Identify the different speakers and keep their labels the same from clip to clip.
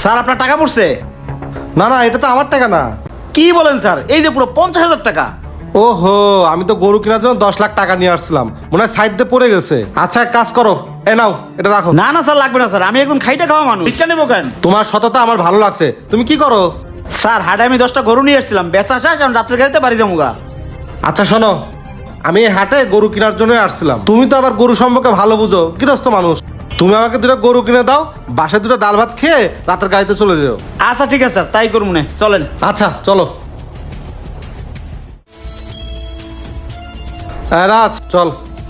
Speaker 1: Sir আপনার টাকা পড়ছে?
Speaker 2: না না, এটা তো আমার টাকা না।
Speaker 1: কি বলেন স্যার? এই যে পুরো 50,000 টাকা।
Speaker 2: ওহো, আমি তো গরু কেনার জন্য 10 লাখ টাকা নিয়ে আসছিলাম, মনে হয় সাইড দিয়ে পড়ে গেছে। আচ্ছা এক কাজ করো, এ নাও এটা রাখো।
Speaker 1: না না স্যার, লাগবে না স্যার, আমি একদম খাইটা খাওয়া মানুষ, ভিক্ষা নেবো কেন?
Speaker 2: তোমার সততা আমার ভালো লাগছে। তুমি কি করো?
Speaker 1: স্যার হাটে আমি 10টা গরু নিয়ে এসেছিলাম, বেচা শেষ, আমি রাত্রে গাড়িতে বাড়ি যাবো।
Speaker 2: আচ্ছা শোনো, আমি এই হাটে গরু কেনার জন্য আসছিলাম। তুমি তো আবার গরু সম্পর্কে ভালো বুঝো, গৃহস্থ মানুষ। তুমি আমাকে 2টা গরু কিনে দাও, বাসায় 2টা ডাল ভাত খেয়ে রাতের গাড়িতে চলে যাও।
Speaker 1: আচ্ছা ঠিক আছে স্যার, তাই করবো না, চলেন।
Speaker 2: আচ্ছা চলো। রাজ চল।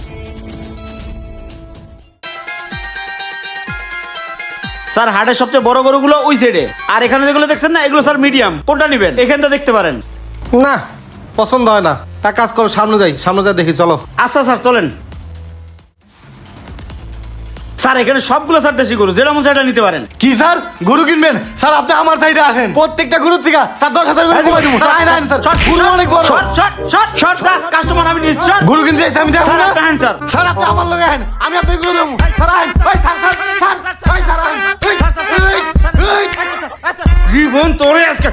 Speaker 1: স্যার হাটের সবচেয়ে বড় গরুগুলো ওই সাইডে, আর এখানে যেগুলো দেখছেন না, এগুলো স্যার মিডিয়াম। কোনটা নেবেন? এখানটা দেখতে পারেন।
Speaker 2: না পছন্দ হয় না, এক কাজ করো, সামনে যাই, সামনে যাই দেখি, চলো।
Speaker 1: আচ্ছা স্যার চলেন। স্যার এখানে সবগুলো স্যার দেশি গরু, যেটা মন সেটা নিতে পারেন।
Speaker 3: কি স্যার গরু কিনবেন? স্যার আপনি আমার সাইডে আসেন, প্রত্যেকটা গরুর থেকে স্যার 10,000 করে কমাই দেবো। স্যার আইন আইন স্যার, গরু অনেক বড়।
Speaker 1: শর্ট কাস্টমার আমি নিচ্ছি।
Speaker 3: গরু কিনতে যাইছি আমি, দেখো
Speaker 1: স্যার
Speaker 3: না
Speaker 1: আপনি আইন স্যার।
Speaker 3: স্যার আপনি আমার লগে আইন, আমি আপনাকে গরু দেবো। স্যার আইন, ওই স্যার স্যার স্যার ওই স্যার আইন, ওই
Speaker 1: জীবন তোরে আজকে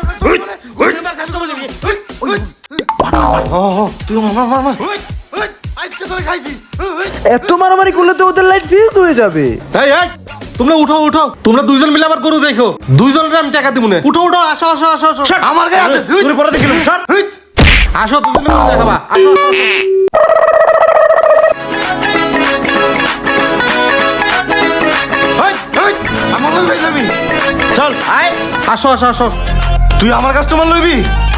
Speaker 3: তুই মার আজকে তোরে খাইছি।
Speaker 4: এত মারামারি করলে তো ওদের লাইট ফিউজ হয়ে যাবে।
Speaker 2: এই এই তোমরা উঠো উঠো, তোমরা 2জন মিলে আমার গরু দেখো, 2জনের আমি টাকা দিব না। উঠো উঠো, আসো আসো আসো আসো
Speaker 3: আমার গায়ে হাতে
Speaker 1: তুই পরে দেখিলাম। শর্ট
Speaker 2: আসো, 2জন মিলে দেখাবা, আসো আসো, আসো।
Speaker 3: আমার লগে ভাই যাবি?
Speaker 1: চল আয়।
Speaker 2: আসো আসো আসো।
Speaker 3: তুই আমার কাস্টমার লইবি?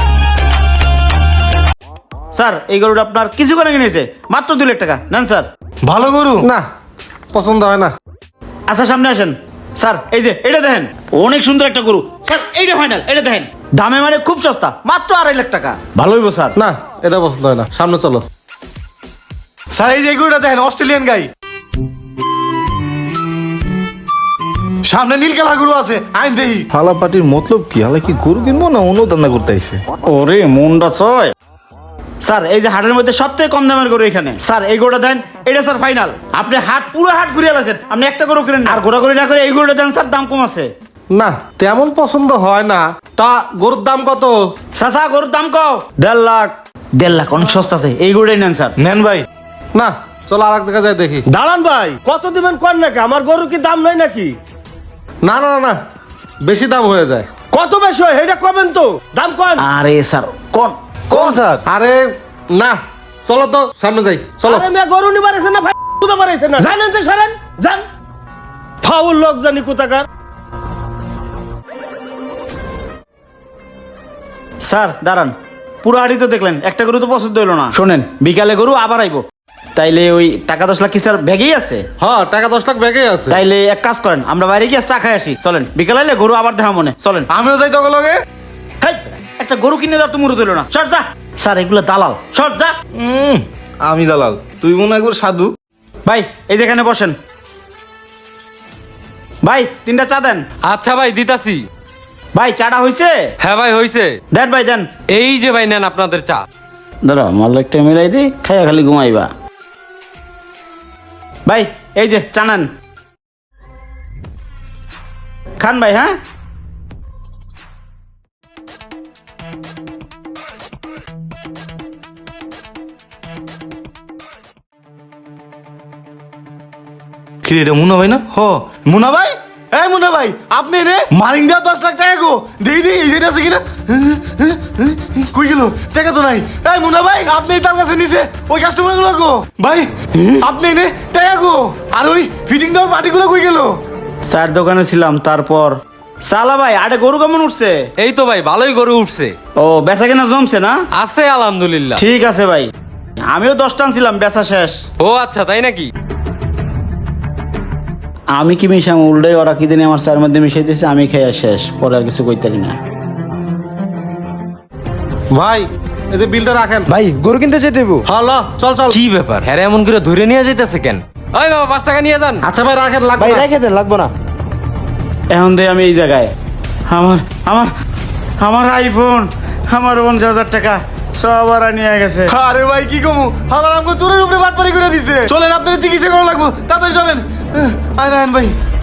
Speaker 1: স্যার এই গরুটা আপনার কিছু করে কিনেছে, মাত্র 2 লাখ টাকা নেন স্যার।
Speaker 3: ভালো গরু
Speaker 2: না পছন্দ হয় না।
Speaker 1: আচ্ছা সামনে আসেন স্যার, এই যে এটা দেখেন, অনেক সুন্দর একটা গরু স্যার, এইটা ফাইনাল, এটা দেখেন, দামে মানে খুব সস্তা, মাত্র 2.5 লাখ টাকা। ভালো হইব স্যার।
Speaker 2: না এটা পছন্দ হয় না, সামনে চলো।
Speaker 3: স্যার এই যে গরুটা দেখেন, অস্ট্রেলিয়ান গাই, সামনে নীল কালা গরু আছে, আইন দেহি।
Speaker 4: হালা পাটির মতলব কি? হালা কি গরু কিনবো না অন্য দান্দা করতে আইছে?
Speaker 1: ওরে মনটা ছয়। স্যার এই যে হাটের মধ্যে সবথেকে কম দামের গরু এখানে। স্যার এই গরুটা দেন, এটা স্যার ফাইনাল। আপনি হাট পুরো হাট ঘুরিয়ে আছেন, আপনি একটা গরু কিনেন আর ঘোরাঘুরি না করে এই গরুটা দেন স্যার, দাম কম আছে।
Speaker 2: না তেমন পছন্দ হয় না। তা গরুর দাম কত?
Speaker 1: চাচা গরুর দাম কও। 1.5 লাখ। 1.5 লাখ অনেক সস্তা আছে, এই গরুটাই নেন স্যার।
Speaker 3: নেন ভাই।
Speaker 2: না চলো আর এক জায়গায় যাই দেখি।
Speaker 5: দাঁড়ান ভাই, কত দিবেন কর নাকি? আমার গরু কি দাম নাই নাকি?
Speaker 2: না না না না, বেশি দাম হয়ে যায়।
Speaker 5: কত বেশি হয় এটা কবেন তো, দাম কন।
Speaker 1: আরে স্যার কোন
Speaker 4: কোন স্যার?
Speaker 2: আরে না, চলো তো সামনে যাই, চলো।
Speaker 5: আরে মেয়ে গরু নিবার আছে না ভাই, কুদা পারাইছে না, জানেন তো সারেন জান, ফাউল লোক জানি কোথাকার।
Speaker 1: স্যার দাঁড়ান, পুরো হাড়ি তো দেখলেন, একটা গরু তো পছন্দ হলো না। শোনেন বিকালে গরু আবার আইবো, তাইলে ওই টাকা 10 লাখ কি স্যার ব্যাগেই আছে?
Speaker 2: হ্যাঁ টাকা 10 লাখ ব্যাগে আছে।
Speaker 1: তাইলে এক কাজ করেন, আমরা বাইরে গিয়ে চা খাই আসি, চলেন। বিকালে আইলে গরু আবার দেখা মনে, চলেন।
Speaker 3: আমিও যাই তোকে লগে।
Speaker 1: হেই, একটা গরু কিনে দেওয়ার তো মুরত হলো না, শর্ট যা। স্যার এগুলো দালাল, শর্ট যা।
Speaker 3: আমি দালাল, তুই মনে একবার সাধু।
Speaker 1: ভাই এই যেখানে বসেন, ভাই 3টা চা দেন।
Speaker 6: আচ্ছা ভাই দিতাছি।
Speaker 1: ভাই চাটা হইছে?
Speaker 6: হ্যাঁ ভাই হইছে।
Speaker 1: দেন ভাই দেন।
Speaker 6: এই যে ভাই নেন আপনাদের চা।
Speaker 1: দাঁড়া মালিকটা মিলাই দি, খাইয়া খালি ঘুমাইবা। ভাই এই যে চা নেন, খান ভাই। হ্যাঁ
Speaker 3: কি রে মুনা ভাই? না হ মুনা ভাই, এই মুনা ভাই আপনি রে মারিং দেওয়া 10 লাখ টাকা গো, দেখি দেখি এই যেটা আছে কিনা। কই গেল? টাকা তো নাই। এই মুনা ভাই আপনি তার কাছে নিছে ওই কাস্টমার গুলো গো। ভাই আপনি নে টাকা গো, আর ওই ফিটিং দেওয়ার মাটিগুলো কই গেল?
Speaker 1: চার দোকানে ছিলাম, তারপর সালা ভাই আরে গরু কেমন উঠছে?
Speaker 6: এই তো ভাই ভালোই গরু উঠছে।
Speaker 1: ও বেচা কেনা জমছে না?
Speaker 6: আছে আলহামদুলিল্লাহ।
Speaker 1: ঠিক আছে ভাই, আমিও 10টা আনছিলাম, বেচা শেষ।
Speaker 6: ও আচ্ছা তাই নাকি?
Speaker 1: আমি কি মিশাম উল্টাই, ওরা কি দিনে আমার চার মধ্যে মিশাই দিয়েছে, আমি খেয়ে শেষ, পরে আর কিছু কইতারি না।
Speaker 2: ভাই এই যে বিলটা রাখেন।
Speaker 4: ভাই গরু কিনতে যেতে দেবো।
Speaker 2: হ্যালো চল চল।
Speaker 6: কি ব্যাপার, হ্যাঁ এমন করে ধরে নিয়ে যাইতেছে কেন? ওই বাবা 5 টাকা নিয়ে যান।
Speaker 2: আচ্ছা ভাই রাখেন, লাগবে
Speaker 4: ভাই
Speaker 2: না।
Speaker 4: রেখে দেন, লাগবো না।
Speaker 1: এখন দিয়ে আমি এই জায়গায়, আমার আমার আমার আইফোন, আমার 50,000 টাকা সব ওরা নিয়ে গেছে।
Speaker 3: আরে ভাই কি কমু, আমার আমগো চোরের উপরে বাটপারি করে দিছে। চলেন আপনাদের চিকিৎসা করা লাগবো, তাড়াতাড়ি চলেন। আইন আইন ভাই।